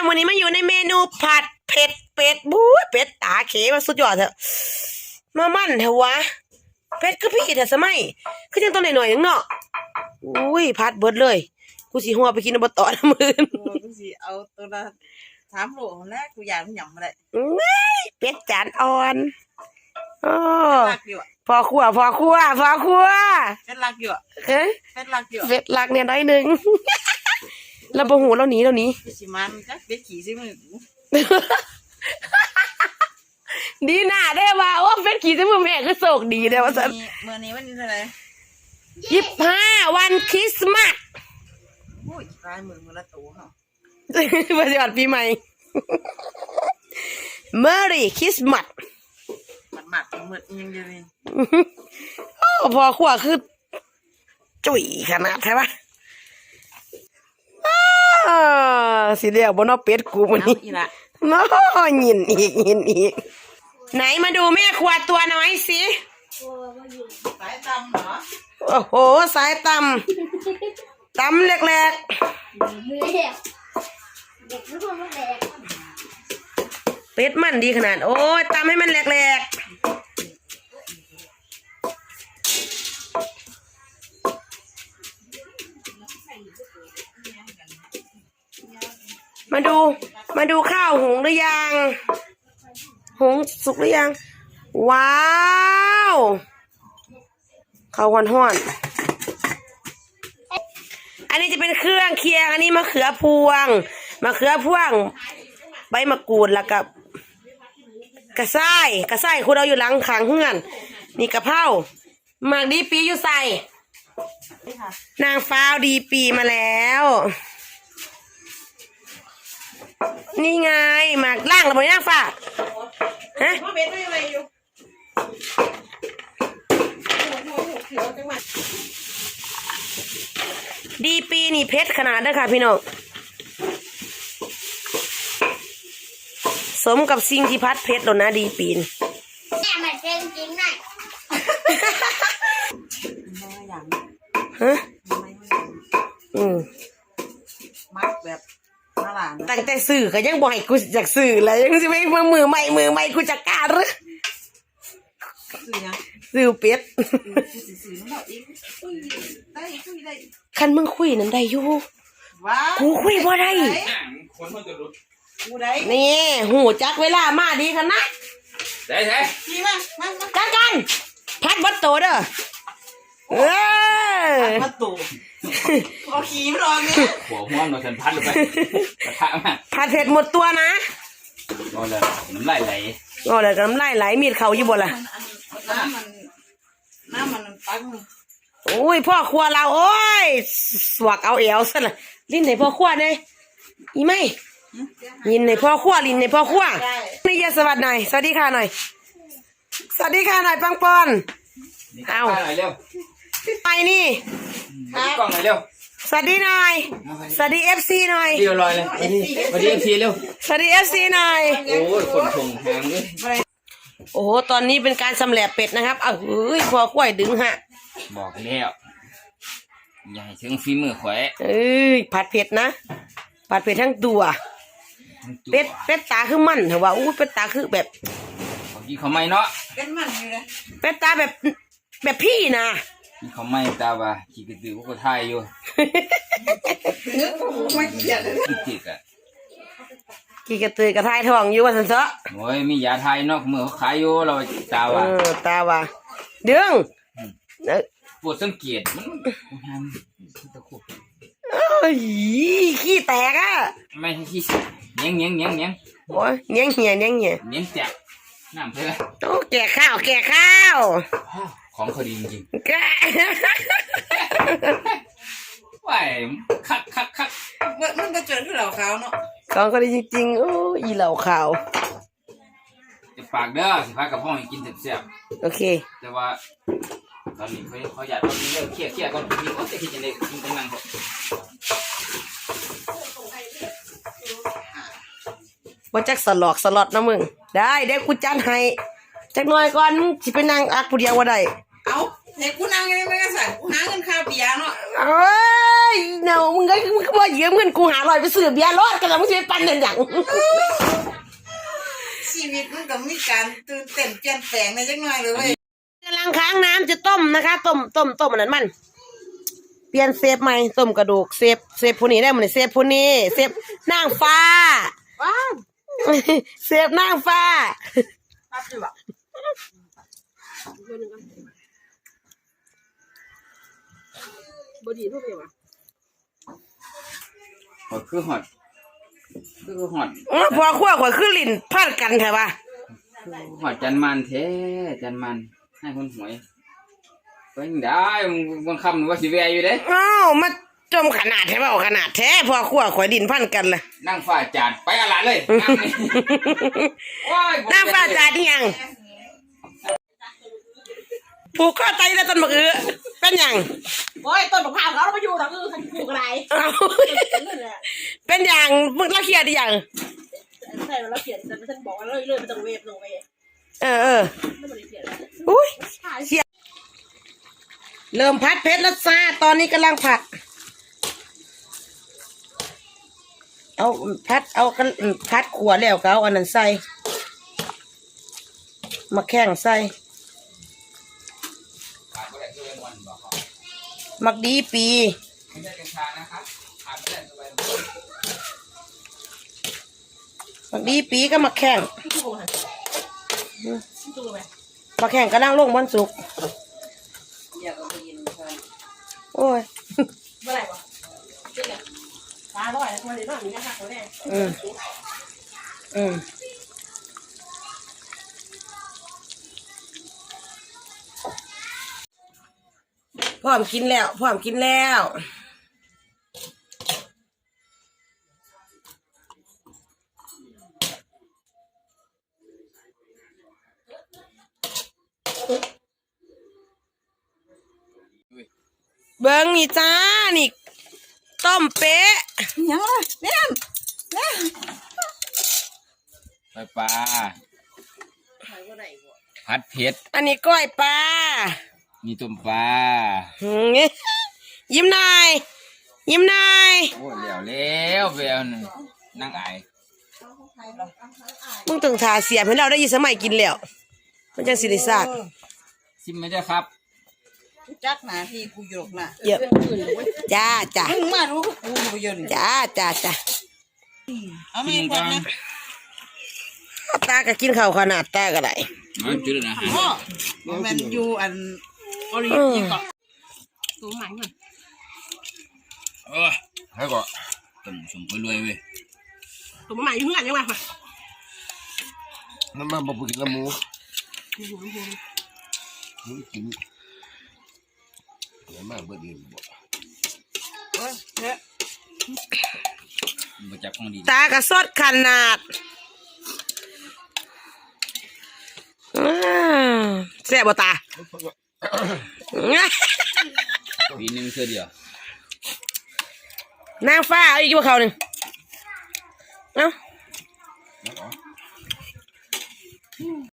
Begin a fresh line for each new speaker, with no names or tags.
วันนี้มาอยู่ในเมนูผัดเผ็ดเป็ดบู๊เป็ดตาเขมาสุดยอดเถอะมามั่นเถอะวะเป็ดก็พี่เถอะสมัยคือยังตัวหน่อยๆนึงเนาะอุ้ยผัดเบิดเลยกูสิหัวไปกินอบตนะมื้อ
กูสิเอาตัวละ3 โลแรกกูอยากมันหยำมาได้
เป็ดจานอ่อนโอ้
รักอยู่
พอครัว
เป็นรักอยู่เป็นรักอยู่
เป็ดรักเนี่ยน้อยนึงเราบ่หูเราหนี
สิมันจักเป็ดขี่ซิมึง
ดีหน้าได้ว่าโอ้เป็ดขี่ซิมึงแม่คือโชคดีเด้อว่าซั่น
มื้อนี้วันนี้เท่าไหร่
25วันคริสต์มาส
โอ้ยกลายมือละตัวเฮา
วันหยอดปีใหม่ Merry Christmas
หมัดมืดยังอยู่นี่
โอ้พอขั้วคือจุ๋ยขนาดใช่ปะสิเดียวบนนอเป็ดกูมันนี่น้อยินอีกไหนมาดูแม่ครัวตัวน้อยสิ
สายตำเหรอ
โอ้โหสายตำแหลกเป็ดมันดีขนาดโอ้ยตำให้มันแหลกมาดูข้าวหุงหรือยังหุงสุกหรือยังว้าวข้าวห้อนอันนี้จะเป็นเครื่องเคียงอันนี้มะเขือพวงใบมะกรูดแล้วกับกระส่ายคุณเอาอยู่หลังขางเฮือนนี่กะเพราหมากดีปีอยู่ใส่นางฟ้าวดีปีมาแล้วนี่ไงหมากล่างระเบิดนางฟ้าฮะดีปีนี่เพชรขนาดเด้อค่ะพี่น้องสมกับสิ่งที่พัดเพชรหล่นนะดีปีน
แม่มันเป็นจริงนะ
ฮะ
มักแบบน่ารัก
ตั้งแต่สื่อก็ยังบ่ให้กูจากสื่อเลยยังสิไม่มือใหม่กูจะกล้าหรือสื่อเป็ดคันมึงคุยนั่นได้อยู่กูคุยบ่ได้นี่หูจักเวลามาดีขนาด
ได้
กันพัดบัดโตเด้อ
พัดโตเอาขี้มารอเนี่ย
หัวห้วงเราฉันพัดลงไปกระทะมา
พัดเผ็ดหมดตัวนะ
ก็เลยน้ำลายไหล
ก็เลยน้ำลายไหลมีดเขาอยู่บ่ล่ะ
น้ำมันตั้ง
โอ้ยพ่อครัวเราโอ้ยสวกเอาเอวซะละลิ้นในพ่อครัวเนี่ยอีไม่ยินในพ่อครัวลิ้นในพ่อครัวนี่ยาสวัสดีหน่อยสวัสดีค่ะหน่อยสวัสดีค่ะหน่อยปังปอนเอา
หน่อยเร็ว
ไปนี่
กล้องหน่อยเร็ว
สวัสดีหน่อยสวัสดีFCหน่อย
เรียบร้อยเลยสวัสดีFCเร็ว
สวัสดีFCหน่อย
โอ้ยคนชงแหงเลย
โอ้โหตอนนี้เป็นการสำแหลบเป็ดนะครับเฮ้ยพอข่อยดึงฮะ
บอกแล้วอย่าให้ถึงฝีมือข่อย
ผัดเผ็ดนะผัดเผ็ดทั้งตัวเป็ดตาคือมันเหรอวะอู้เป็ดตาคือแบบ
กินเขาไม่เนาะ
เป็นมันอยู่เลย
เป็ดตาแบบพี่นะ
กินเขาไม่ตาว่าขี้กระตือก็ทายอยู่
ไม่เกลียดเลย
ขี้กระ
กี่กระตือกระทายทองอยู่ว่าสันเสาะ
โอ้ยมียาไทยเนาะเมื่อเขาขายอยู่เราตา
ว่าเดือง
ปวดสังเกตมันตะคุบ
ขี้แตกอ่ะ
ไม่ใช่ขี้เงี้ย
โอ้ยเงี้ย
แจกน้ำเพื่อ
โอ้แก่ข้าว
ของเขาดีจริง
แก
ว้ายคัก
มันก็เจอที่เหล่าขาวเนาะ
ของเขาดีจริงๆโอ้อีเหล่าขาว
จะปากเด้อสิพากับพ่อให้กินเสียบ
โอเค
แต่ว่าตอนนี้เขาอยากตอนนี้เลิกเครียดก่อนมีเขาจะคิดยังไงกินตั้งนาน
ว่าจักสลอดนะมึงได้เดี๋ยวกูจัดให้จักหน่อยก่อนสิไปนั่งอักผู้เดียวว่าได้
เอาเด็กกูนั่งยังไงไม่กระสันกูหาเงินค่าเบียร์เนาะ
เอ้ยยเนามึงก็บ่ยืมเงินกู500ไปซื้อเบียร์รถกันแล้วมึงสิไปปั่นนั่นหยัง
ชีวิตมันก็มีการตื่นเต้นเปลี่ยนแปลงในจังหน่อยเลยเว้ย
กำลังค้างน้ำจะต้มนะคะต้มอันนั้นมันเปลี่ยนเซฟใหม่ต้มกระดูกเซฟผู้นี้ได้หมดเลยเซฟผู้นี้เซฟนางฟ้า
ว้าว
เซฟนางฟ้า
รับอยู่อ่ะ
บดีทุกอย่าง
หอดคือหอด
พอขั้วข่อยคือลิ้นพันกันแถวะ
หอดจันมันแท้จันมันให้คนหวยก็ยังได้บางคำหนูว่าสิแวอยู่เด้
อ้าวมาจมขนาดแท้เปล่าขนาดแท้พอขั้วข่อยลิ้นพันกันเลย
นั่งฝ่าจาดไปอะไรเลย
นางฟ้าจ่าที่ยังผูกข้อไตแล้วต้นมะเอือเป็นยัง
โอ้ยต้นมะพร้าวเขาเราไปอยู่ทางอื่นทางปลูกอะไร
อ้าวเป็นยังมึงละเครียดดิยัง
ใช่แล้วเขียนฉันบอกว่าเรื่อยๆมันต้องเวฟลงไป
เออ
ไม่ได้เขียน
อุ้ยเสียเริ่มผัดเผ็ดแล้วจ้าตอนนี้กำลังผัด เอาพัดขัวแล้วก็เอาอันนั้นใส่มาแข้งใส่มักดีปีมักดีปีก็มักแข้งมักแข้งก็นั่งลงบนสุกโอ้ย
เมื่อไหร่วะปลาร้อยแล้วคนเดียวมีนะคะคนแรก
อืมพร้อมกินแล้ว เบิ้งนี่จ้านี่ต้มเป๊ะ
ยังล่ะเนี่ย
ไปปลาผัดเผ็ด
อันนี้ก้อยปลา
มีต้มปลา
ยิ้มหน่อยยิ้มหน่อย
โอ้แล้วแววนั่งไอ
มึงต้องทาเสียบให้เราได้ยินสมัยกินแล้วมันจังสิริศาสตร์
ชิมไหมเจ้าครับ
จักหนาที่กูหยกน่ะ
เยอะจ้า
มึงมารู้กูอยู่เยอะนี่
จ้า
เอาไม่ก่อนนะ
ตาก็กินข้าวขนาดตาก็ได้
มันจุดนะฮะ
พ่อมันอยู่อันออริจินก่อนตัวใหม่ก่อน
ให้ก่อนต้มสมไปรวยเว้ย
ตัวใหม่อยู่เพื่อนยังไง
น้ำมันบ่กินละหมูมึงกินน้ำมันบ่ดีบ่
เนี่ย
มาจับของดี
ตากระสดขนาดแซ่บบ่ตา
ปีนึงเสื้อเดียวน
างฟ้าเอาอีกว่าเขาหนึ่งเอ้า